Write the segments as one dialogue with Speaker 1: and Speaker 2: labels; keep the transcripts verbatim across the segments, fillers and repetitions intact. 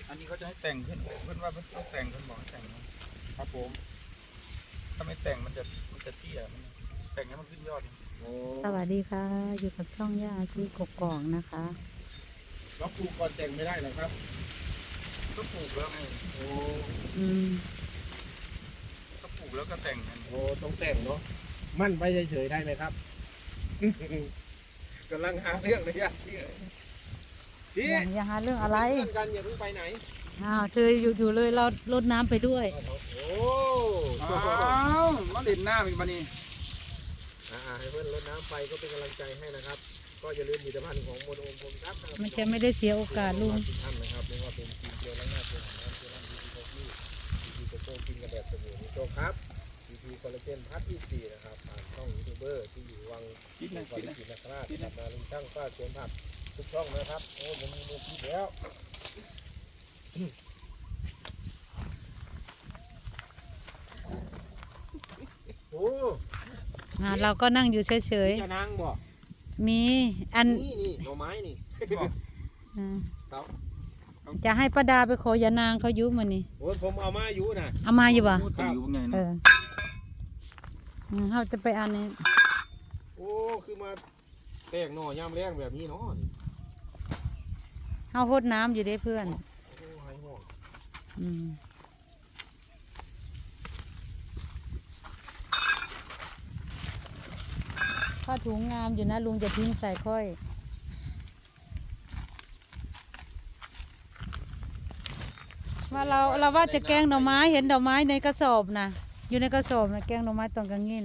Speaker 1: อันนี้เขาจะให้แต่งขึ้นเพื่อนว่าเพื่อนต้องแต่งเพื่อนบอกแต่งครับผมถ้าไม่แต่งมันจะมันจะเตี้ยมันแต่งให้มันขึ้นยอด
Speaker 2: สวัสดีค่ะอยู่กับช่องย่าชีกกอกนะคะ
Speaker 1: เราปลูกก่อนแต่งไม่ได้หรอครับก็ปลูกแล้วไงโอ้
Speaker 2: อืม
Speaker 1: ก็ปลูกแล้วก็แต่งกัน
Speaker 3: โอ้ต้องแต่งเนาะมั่นไปเฉยๆได้ไหมครับกำลังหาเรื่องเลยย่าชีชี้
Speaker 2: อย่าอย่าหาเรื่องอะไร
Speaker 3: เพื่อนกันอย่าเพิ่งไปไหน
Speaker 2: อ้าวเธออยู่อยู่เลยเราลดน้ำไปด้วย
Speaker 3: โอ้
Speaker 1: อ้าวมาเล่นหน้ามีมานี่
Speaker 3: อ่าให้เพื่อนรดน้ำไปก็เป็นกำลังใจให้นะครับ ก็อย่าลืมผลิตภัณฑ์ของโมโนโอมผมครับ
Speaker 2: มันจะไม่ได้เสียโอกาสลุง
Speaker 3: ทุกท่านนะครับไม่ว่าเป็นทีมเดียวและหน้าเดียวของน้ำเจลันดีดีโกกี้ดีดีโกโก้กินกันแบบสมุนโจครับดีดีคอลลาเจนพัทที่สี่นะครับผ่านช่องยูทูบเบอร์ที่อยู่วังกินนะกินนะกินนะครับกินมาลุงช่างป้าสวนผักทุกช่องนะครับโอ้ผมมีมือคิดแล้วโอ้
Speaker 2: เราก็นั่งอยู่เฉย
Speaker 3: ๆจะนั่งบ่
Speaker 2: มีอัน
Speaker 3: นี่นี่หน่อไม้นี่
Speaker 2: จะให้ป้าดาไปขอยานางเขายุบมันนี่
Speaker 3: โอ้ผมเอามาอยู่นะ
Speaker 2: เอามาอยู่ป่ะ
Speaker 1: เออ
Speaker 2: เขาจะไปอันนี้
Speaker 3: โอ้คือมาแตกหน่อยามแรงแบบนี้เนาะ
Speaker 2: เขาหดน้ำอยู่ได้เพื่อนอืมผ้าถุงงามอยู่นะลุงจะทิ้งใส่ค่อยว่าเราเราว่าจะแกงหน่อไม้เห็นดอกไม้ในกระสอบนะอยู่ในกระสอบนะแกงหน่อไม้ตอนกลางเงิน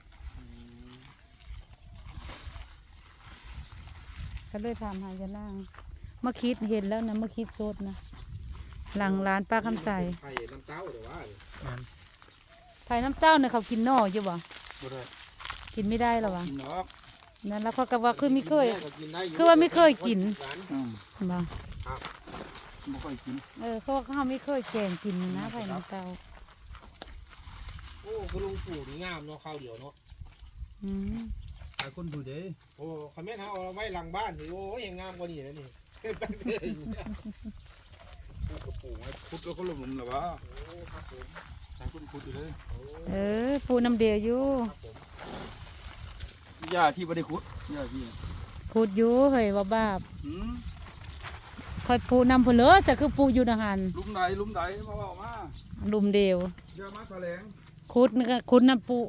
Speaker 2: ก็เลยทำหายานั่งเมื่อคิดเห็นแล้วนะเมื่อคิดโซดนะหลังร้านป้าคำใส
Speaker 3: ไผ่น้ำเต้าหรือว่า
Speaker 2: ไผ่น้ำเต้าเนี่ยเขากินนอกอยู่บ่กินไม่ได้หรอวะนั่นแล้วเขาก็ว่าคือไม่เคยคือว่าไม่เคยกินบ่
Speaker 1: ไม่ค่อยกิน
Speaker 2: เออเขาเขาไม่เคยแกงกินนะไผ่น้ำเต้า
Speaker 3: โอ้คุณลุงปลูกงามเนาะข้าวเดียวเนาะ
Speaker 2: อืม
Speaker 1: หลายคนดูเด้
Speaker 3: โอ้คำแม่เขาเอาไว้หลังบ้านสิโอ้ยยังงามกว่านี้นะนี่ตั้งแต่
Speaker 1: ปลูกกระปูพุดแล้วก็หลุมหรอวะ
Speaker 3: โอ้ครับผม
Speaker 1: ใช้คนพุดอยู่เลย
Speaker 2: เออปูน้ำเดียวอยู่
Speaker 1: ยาที่ไม่ได้ขุดยาที่
Speaker 2: ขุดอยู่เฮ้ยว่าบ้าคอยปูนำผลเลยจะคือปูอยู่ทหาร
Speaker 1: ลุมไหนลุมไหนมาบอกมา
Speaker 2: ลุมเดียว
Speaker 1: เยอะมากแถลง
Speaker 2: ขุดนี่ก็ขุดน้ำปู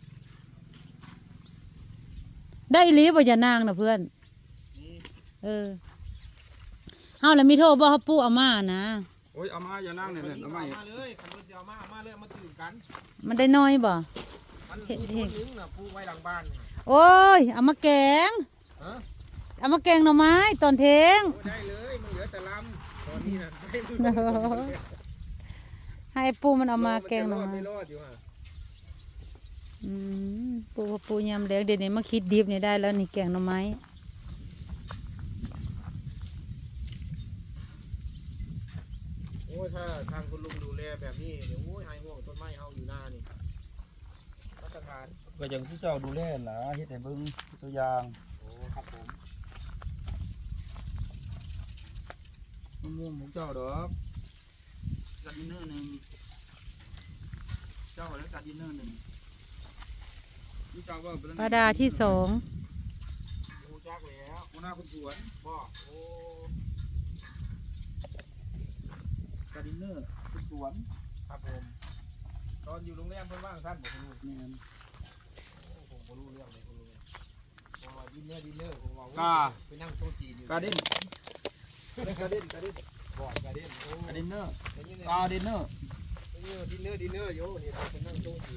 Speaker 2: ได้ลีบ่อย่านางนะเพื่อนเออเฮาแล้วมีโทษบ่เขาปูเอามานะ
Speaker 1: โอ้ยเอามาอย่านั่งเนี่ยเอามา
Speaker 3: เลยคันมันจะเอามาเอามาเลยมาตื่นกัน
Speaker 2: มันได้น้อยบ่
Speaker 3: มันเห็นเห็นนึงน่ะปูไว้หลังบ้าน
Speaker 2: โอ้ยเอามาแกงเอามาแกงหน่อไม้ตอนเทง
Speaker 3: ได้เลยมันเหลือแต่ลำตอนนี้นะ
Speaker 2: ให้ปูมันเอามาแกงหน่อไม้อืมปูปูยำแล้วเดี๋ยวนี้มาคิดดิบนี่ได้แล้วนี่แกงหน่อไม้
Speaker 3: โอ้ถ้าทางคุณลุงดูแลแบบนี้เดี๋ยวโอ้ยหายห่วงต้นไม้เอาอยู่หน้านี่มาตรฐาน
Speaker 1: ก็อย่างที่เจ้าดูแลนะเฮ็ดให้เบิ่งตัวอย่าง
Speaker 3: โอ้ครับผม
Speaker 1: มะม่วงของเจ้าดอกการดินเนอร์หนึ่งเจ้าแล้วการดินเนอร์หนึ่ง
Speaker 2: ปลาดาที่สอง
Speaker 3: รู้จักแล้ว
Speaker 1: หัวหน้าคนสวน
Speaker 3: บอกโอ้
Speaker 1: การดินเนอร์คนสวน
Speaker 3: ครับผมตอนอยู่โรงแรมเพิ่นว่างท่านบอกคุณลุง
Speaker 1: นี่
Speaker 3: ผมก็รู้เรื่องเลยคุณลุงพอดินเนอร์ดินเนอร์ผมว่าไปนั่งโต๊ะจีนอยู่
Speaker 1: การดิน
Speaker 3: การดินการดินบอกการดิน
Speaker 1: การดินเนอร์การดินเนอร์
Speaker 3: ดินเนอร์ดินเนอร์โย่นี่ไปนั่งโต๊ะจีน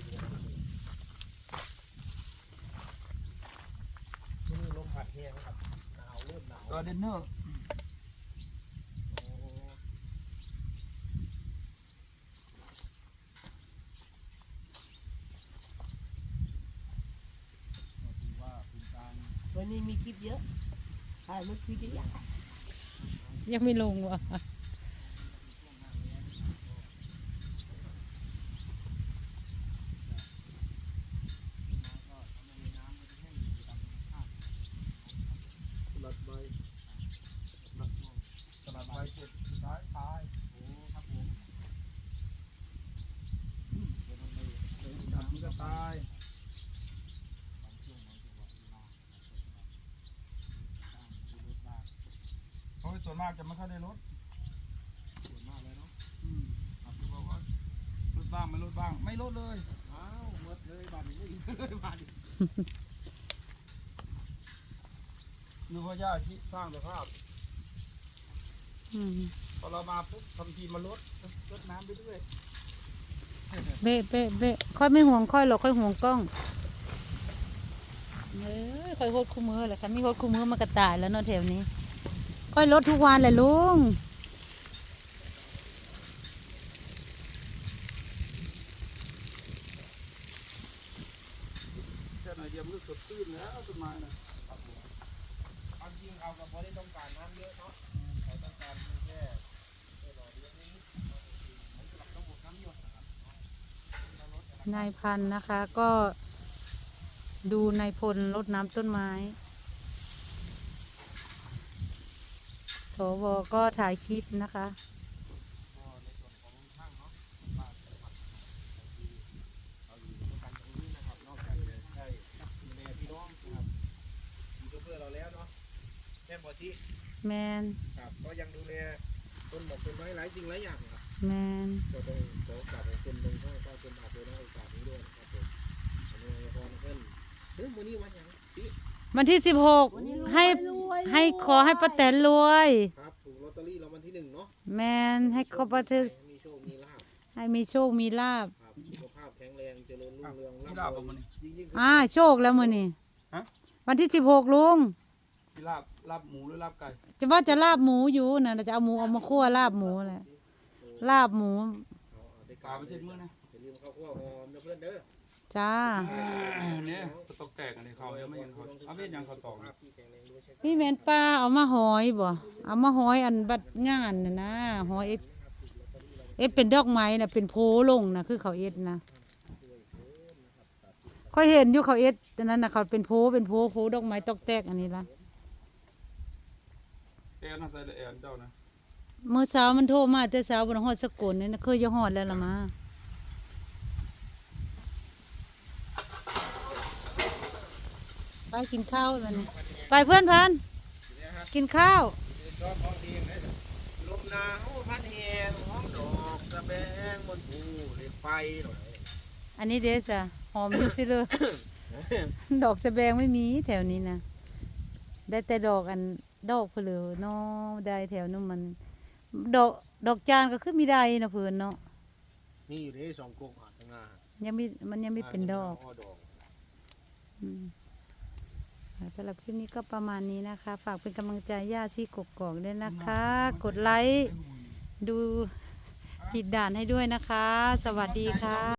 Speaker 3: ที่นี่ลมพัดแห้งครับหนาวเริ่มหนาว
Speaker 1: การดินเนอร์
Speaker 4: วันนี้มีคลิปเยอะถ่ายเมื่อคืนเยอะ
Speaker 2: ยังไม่ลงว่ะ
Speaker 1: สลัดใบสลัดใบเสร็จสุดท้ายตายส่วนมากจะไม่ค่อยได้ลด
Speaker 3: ส่วนมากเลยเนาะ
Speaker 1: อืมครับที่บอกว่าลดบ้างไม่ลดบ้างไม่ลดเลย
Speaker 3: อ้าวหมดเลยบาทนี้เลยบาทนี้
Speaker 1: คือว่าย่าที่สร้างสภาพ
Speaker 2: อืม
Speaker 1: พอเรามาปุ๊บทำทีมาลดลดน้ำไปเรื่อย
Speaker 2: เบะเบะเบะค่อยไม่ห่วงค่อยหรอกค่อยห่วงกล้องเอ้ยค่อยโหดคู่มือแหละค่ะมีโหดคู่มือมากระต่ายแล้วเนาะแถวนี้ ค่อยลดทุกวันเลยลุง
Speaker 1: แค่หน่อยเดียวมันก็สดชื่นแล้วต้นไม้นะ
Speaker 3: ความจริงเอากับบ่ได้ต้องการน้ำเยอะเนาะเขาต้องการเพียงแค่แค่หล่อเลี้ยงนิดๆเหมือนกับระบบน้ำหยดนะครับ
Speaker 2: นายพันธุ์นะคะ ก็ดูนายพลรดน้ำต้นไม้ สวก็ถ่ายคลิปนะคะ
Speaker 3: ก็ในส่วนของช่างเนาะบ้านจังหวัดที่เราอยู่ด้วยกันตรงนี้นะครับนอกจากจะได้ดูแลพี่น้องนะครับอยู่เพื่อเราแล้วเนาะแม่บอชิ
Speaker 2: แมน
Speaker 3: ครับก็ยังดูแลต้นหมอกต้นไม้หลายสิ่งหลายอย่างครับ
Speaker 2: แมน
Speaker 3: ก็ต้องขอโอกาสของคุณลงข้าวก็เป็นอาจจะได้โอกาสนี้ด้วยนะครับผมอนุโมทนาเพิ่นเฮ้ยมื้อนี้วันหยังพี่
Speaker 2: วันที่สิบหกให้ให้ขอให้ป้าแตนรวย
Speaker 3: ครับถูกลอตเตอรี่รางวัลที่หนึ่งเนาะ
Speaker 2: แมนให้เขาป้าแตน
Speaker 3: มีโชคมีลาภ
Speaker 2: ให้มีโชคมีลาบ
Speaker 3: ครับสุขภาพแข็งแรงเจริญรุ่งเรือง
Speaker 1: ที่
Speaker 3: ร่ำ
Speaker 1: ลาบ
Speaker 3: ร
Speaker 1: เอา
Speaker 3: วย
Speaker 1: มานี่
Speaker 3: ยิ่งยิ่ง
Speaker 2: อ่าโชคแล้วมือนี่
Speaker 1: ฮะ
Speaker 2: วันที่สิบหกลุง
Speaker 1: ที่ลาบลาบหมูหรือลาบไก่
Speaker 2: จะว่าจะลาบหมูอยู่นะจะเอาหมูเอามาคั่วลาบหมูแหละลาบหมู
Speaker 3: เอาเอาได้
Speaker 1: ปลาไม่ใช่มื้อนะ
Speaker 3: อย่าลืมข้าวคั่วหอมนะเพื่อนเด้อ
Speaker 2: จ้า
Speaker 1: เนี่ยตกแตกอันนี้เขายังไม่ยังเขาเอาเวียนยังเขาตอก
Speaker 3: ภาพที่แข็งแรงด้วยใช่ไหม
Speaker 2: พี่แมนป้าเอามาหอยบ่เอามาหอยอันบัดงานน่ะนะหอยเอ็ดเอ็ดเป็นดอกไม้น่ะเป็นโพลงนะคือเขาเอ็ดนะค่อยเห็นอยู่เขาเอ็ดอันนั้นน่ะเขาเป็นโพเป็นโพโพดอกไม้ตอกแตกอันนี้ละ
Speaker 1: แอนน่าใส่แอนเจ้านะ
Speaker 2: เมื่อเช้ามันโทรมาแต่เช้าบนฮอดสกลนี่นะเคยจะฮอดแล้วล่ะมาไปกินข้าวมันไปเพื่อนพันกินข้าว
Speaker 3: ชอบห้องดีไหมลมหนาวพัดแหงห้องดอกสะแบงบนภูเหล็กไฟหน่อย
Speaker 2: อันนี้เดซ่ะหอมอยู่สิเลย ดอกสะแบงไม่มีแถวนี้นะได้แต่ดอกอันดอกเพลือเนาะได้แถวนู้นมัน ดอกดอกจานก็คือมีได้นะเพื่อนเนาะ
Speaker 3: มีอยู่ในสองกรงอาดข้างหน้า
Speaker 2: ยังไม่มันยังไม่เป็นดอก
Speaker 3: ดอก
Speaker 2: อืมค่ะสำหรับคลิปนี้ก็ประมาณนี้นะคะ ฝากเป็นกำลังใจย่าที่กกอกด้วยนะคะ กดไลค์ดูผิดด่านให้ด้วยนะคะ สวัสดีค่ะ